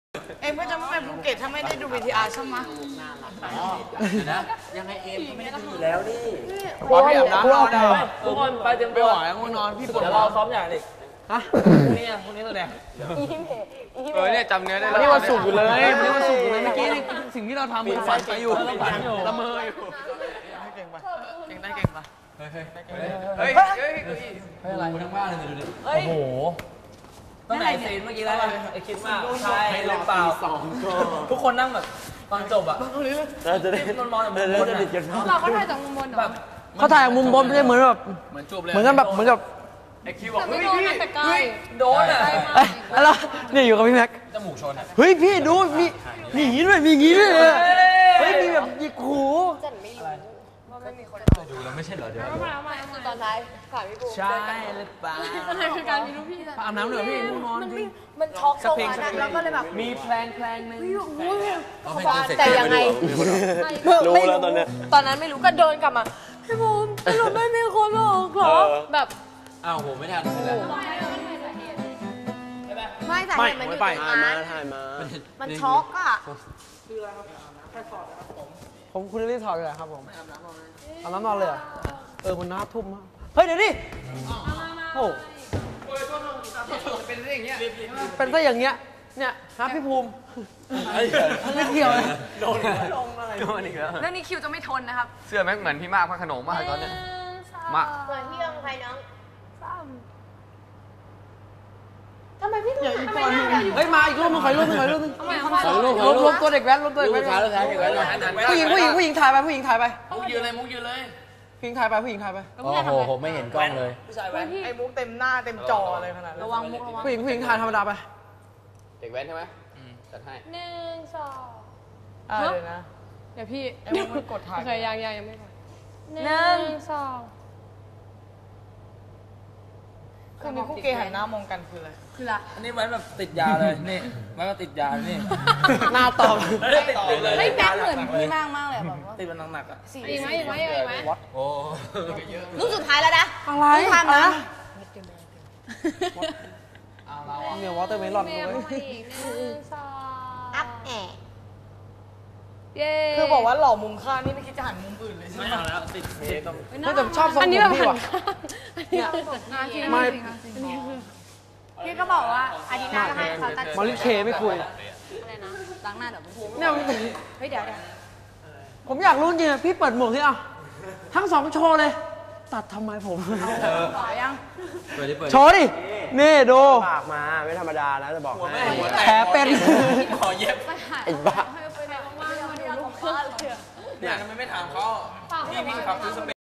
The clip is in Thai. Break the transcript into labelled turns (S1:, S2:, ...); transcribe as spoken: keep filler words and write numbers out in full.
S1: เอ็มก็จะไม่ไปภูเก็ตถ้าไม่ได้ดู วี ที อาร์ ใช่ไหม
S2: นะยังไงเอ็มไม่ได้ดูแล้วนี่
S3: พอพี่อาบน้ำนอนได้
S2: ทุกคนไปเตรียม
S3: ไม่ไหวง่วงนอนพี่ปวด
S2: เดี๋ยวเราซ้อมอย่างอีก
S3: ฮะ
S2: พรุ่งนี้พรุ่งนี้แสดง
S3: เออเนี่ยจำเนื้อได้แล้วนี่วันศุกร์อยู่เลยนี่วันศุกร์อยู่เลยเมื่อกี้สิ่งที่เราทำมันฝันไปอยู่ละเมออยู่เก่งปะเก่งได้เก่งปะเฮ้ยเฮ้ยเฮ้ย
S2: เฮ้ยอะไรทั้งบ้านเลยดูดิโอ้โหตั้งแต่ซีนเมื่อกี้แล้วไอคิดมากใช่หรือเปล่าทุกคนนั่งแบบตอนจบอะเราจะได้นอนๆแบบเราจะดิดกัน
S4: เราก็ถ่ายจากมุมบนแบบ
S3: เขาถ่ายมุมบนไม่ใช่เหมือนแบบเหมือนจบเลยเหมือนกันแบบเหมือนกับ
S4: ไอคิวบอกเฮ้ยพี่เฮ้ย
S2: โดนอะ
S3: อะไรเนี่ยอยู่กับพี่แม็ก
S2: จมูกชน
S3: เฮ้ยพี่ดูมีมีอย่างนี้ด้วยมีอย่างนี้ด้วยเฮ้ยมีแบบหยิกหู
S4: จันไม่รู้ว่าไม่มีคน
S2: ดูแล้วไม่ใช่เหรอเดี๋ยว
S4: มามาคือตอนท้ายถามพี่ปู
S3: ใช่หรือเปล่า
S4: อะไรคือการมีลูกพี่
S3: อาบน้ำเหนือพี่ง่วงนอนจริง
S4: มันช็อกโซนนั้นแล้วก็เลยแบบ
S3: มีแพลนแพลนนึง
S4: แต่ยังไงรู้แล้วตอนนี้ตอนนั้นไม่รู้ก็เดินกลับมาพี่ปูสรุปไม่มีคนหรอกเหรอแบบ
S2: อ้าวโหไม่ทัน
S4: ไม่แต่เห็นมันอยู่ตรงนั้นมันช็อกอ่ะ
S3: ผมคุณรีบถอดเลยครับผมอาบน้ำนอนเลยเออคุณน้าทุ่มมากเฮ้ยเดี๋ยวดิโอ้เป็นซะอย่างเงี้ยเป็นซะอย่างเงี้ยเนี่ยฮะพี่ภูมิไม่เกี่ยวเลยโดนลงอะไรโดนอีกแล้ว
S4: เรื่องนี้คิวจะไม่ทนนะครับ
S3: เสื้อแม่งเหมือนพี่มากพระขนมมากตอนเนี้ย
S4: มาเหมือนพี่ยังใครน้องทำไมพี่ถึงทำไมหน้าเราอยู่
S3: เฮ้ยมาอีกรูปนึงขออีกรูปนึงขออีกรูปนึงรวมตัวเด็กแว้นรวมตัวเด็กแว้นผู้หญิงผู้หญิงผู้หญิงถ่ายไปผู้หญิงถ่ายไป
S2: มุกยืนเลยมุกยืนเลย
S3: ผู้หญิงถ่ายไปผู้หญิงถ่ายไป
S2: โอ้โหผมไม่เห็นกล้องเลย
S1: ผู้ชายแว้นไอ้มุกเต็มหน้าเต็มจอเลยขนาด
S4: ระวังมุกระวัง
S3: ผู้หญิงผู้หญิงถ่ายธรรมดาไป
S2: เด็กแว้นใช่ไหมจัดให้
S4: หนึ่งสอง
S1: อ่าเลยนะ
S4: เดี๋ยวพี่
S1: ไอ้มุกมันกดถ่าย
S4: เคยยังยังยังไม่กดหนึ่งสอง
S1: คือมีคู่เกย์หันหน้ามองกันคืออะไร
S4: คืออะไร
S2: อันนี้ไว้แบบติดยาเลยนี่ไว้ก็ติดยานี่
S3: หน้าตอบ
S2: ติดเลย
S4: ไม่แป๊บเหมือนพี่มากมากเลยแบบว่า
S2: ติดมันหนักๆอ่ะ
S4: อีกไหมอีกไหมอีกไหม
S2: โอ้
S4: ลูกสุดท้ายแล้วนะ
S3: อะไร
S4: ทำนะ
S3: เนี่ยวอเตอร์เมลอนเลย
S4: อัพแอะ
S1: คือบอกว่าหล่อมุมข้างนี่ไม่คิดจะหันมุมอื่นเลยใช่ไหม
S2: ไม่เอาแล้วติดเทป
S3: ไม่แต่ชอบทรงผมพี่ว่ะ
S4: ไม่พี่ก็บอกว่าอาทิตย์หน้าให้เขาตัด
S3: มอลลี่เคไม่คุย
S4: อะไรนะล้างหน้าเดี๋ยวผม
S3: เนี่ย
S4: เฮ้ยเดี๋ยวเดี๋ยว
S3: ผมอยากรู้จริงๆพี่เปิดหมวกที่อ่ะทั้งสองโชว์เลยตัดทำไมผม
S4: ต่อยัง
S3: โชว์ดินี่ดู
S5: ปากมาไม่ธรรมดานะจะบอกให้
S3: แผลเป็น
S2: ขอเย็บ
S3: ไอ้บ้า
S2: เนี่ยทำไมไม่ถามเขาพี่พี่ขับซื้อสเป